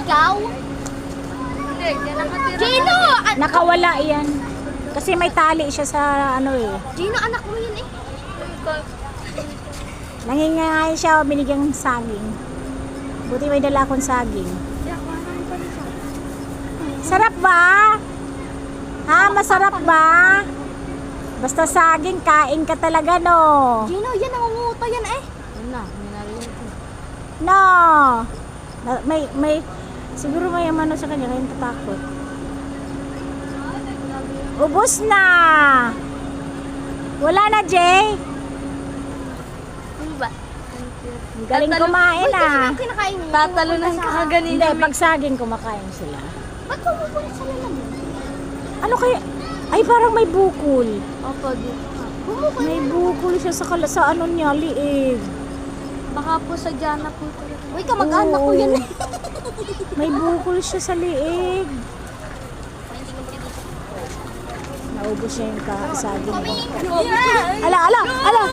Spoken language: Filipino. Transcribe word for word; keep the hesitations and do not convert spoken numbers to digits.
Ikaw? Hindi, yan nakatira. Gino! An- Nakawala yan. Kasi may tali siya sa ano eh. Gino, anak mo yun eh. Nangingain siya, binigyan ng saging. Buti may dala akong saging. Sarap ba? Ha? Masarap ba? Basta saging, kain ka talaga, no? Gino, yan nangunguto yan eh. Yun na, minarinig ko. No! Na- May, may, siguro may ano sa kanya, kaya tatakot. Ubus na! Wala na, Jay? Ano ba? Ang galing Tatalo- kumain, Uy, kasi ah. nang kinakain niya. Tatalunan ka ganito. Hindi, pag saging kumakain sila. Ba't pumupunta sa lalamig? Ano kaya? Ay, parang may bukol. Opo, dito. Bumukol. May bukol siya sa, kala, sa ano niya, liig. Baka po sa Diana po talaga. Uy, kamag-anak ko yan eh. May bukol siya sa liig. Naubos niya yung ka- saging. Yeah. Ala, ala, ala!